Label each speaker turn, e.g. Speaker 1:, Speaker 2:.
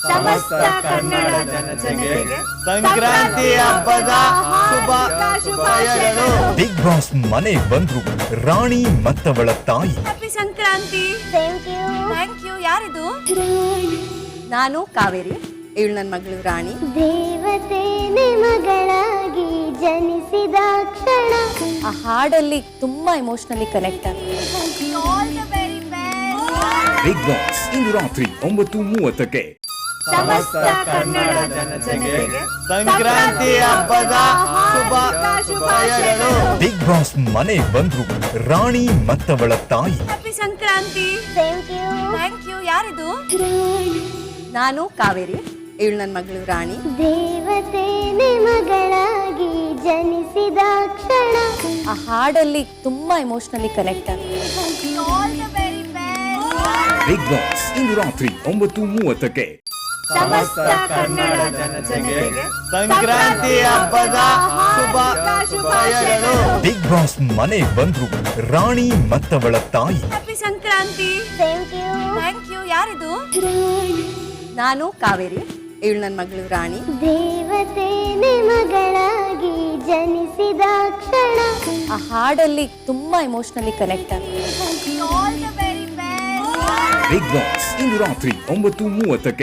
Speaker 1: ಸಮಸ್ತ ಕನ್ನಡ ಜನತೆಗೆ ಸಂಕ್ರಾಂತಿ ಹಬ್ಬದ ಶುಭಾಶಯಗಳು.
Speaker 2: ಬಿಗ್ ಬಾಸ್ ಮನೆ ಬಂದ್ರು ರಾಣಿ ಮತ್ತವಳ ತಾಯಿ.
Speaker 1: ಹ್ಯಾಪಿ ಸಂಕ್ರಾಂತಿ. Thank you. ಯಾರಿದು?
Speaker 3: ನಾನು ಕಾವೇರಿ, ಇವಳು ನನ್ನ ಮಗಳು ರಾಣಿ.
Speaker 4: ದೇವತೆನೆ ಮಗಳಾಗಿ ಜನಿಸಿದ ಕ್ಷಣ.
Speaker 3: ಆ ಹಾಡಲ್ಲಿ ತುಂಬಾ ಎಮೋಷನಲಿ ಕನೆಕ್ಟ್ ಆಗುತ್ತೆ.
Speaker 1: All the very best.
Speaker 2: Big boss ಇಂದು ರಾತ್ರಿ 9:30ಕ್ಕೆ.
Speaker 1: ಸಮಸ್ತ ಕನ್ನಡ ಜನತೆಗೆ ಸಂಕ್ರಾಂತಿ ಹಬ್ಬದ ಶುಭಾಶಯಗಳು.
Speaker 2: ಬಿಗ್ ಬಾಸ್ ಮನೆ ಬಂದ್ರು ರಾಣಿ ಮತ್ತವಳ ತಾಯಿ.
Speaker 1: ಹ್ಯಾಪಿ ಸಂಕ್ರಾಂತಿ. Thank you. ಯಾರಿದು?
Speaker 3: ನಾನು ಕಾವೇರಿ, ಇವಳು ನನ್ನ ಮಗಳು ರಾಣಿ.
Speaker 4: ದೇವತೆನೆ ಮಗಳಾಗಿ ಜನಿಸಿದ ಕ್ಷಣ.
Speaker 3: ಆ ಹಾಡಲ್ಲಿ ತುಂಬಾ ಎಮೋಷನಲಿ ಕನೆಕ್ಟ್ ಆಗುತ್ತೆ.
Speaker 1: All the very best.
Speaker 2: Big boss ಇಂದು ರಾತ್ರಿ 9:30ಕ್ಕೆ.
Speaker 1: ಸಮಸ್ತ ಕನ್ನಡ ಜನತೆಗೆ ಸಂಕ್ರಾಂತಿ ಹಬ್ಬದ ಶುಭಾಶಯಗಳು.
Speaker 2: ಬಿಗ್ ಬಾಸ್ ಮನೆ ಬಂದ್ರು ರಾಣಿ ಮತ್ತವಳ ತಾಯಿ.
Speaker 1: ಹ್ಯಾಪಿ ಸಂಕ್ರಾಂತಿ. Thank you. ಯಾರಿದು?
Speaker 3: ನಾನು ಕಾವೇರಿ, ಇವಳು ನನ್ನ ಮಗಳು ರಾಣಿ.
Speaker 4: ದೇವತೆನೆ ಮಗಳಾಗಿ ಜನಿಸಿದ ಕ್ಷಣ.
Speaker 3: ಆ ಹಾಡಲ್ಲಿ ತುಂಬಾ ಎಮೋಷನಲಿ ಕನೆಕ್ಟ್ ಆಗುತ್ತೆ.
Speaker 1: All the very best.
Speaker 2: Big boss ಇಂದು ರಾತ್ರಿ 9:30ಕ್ಕೆ.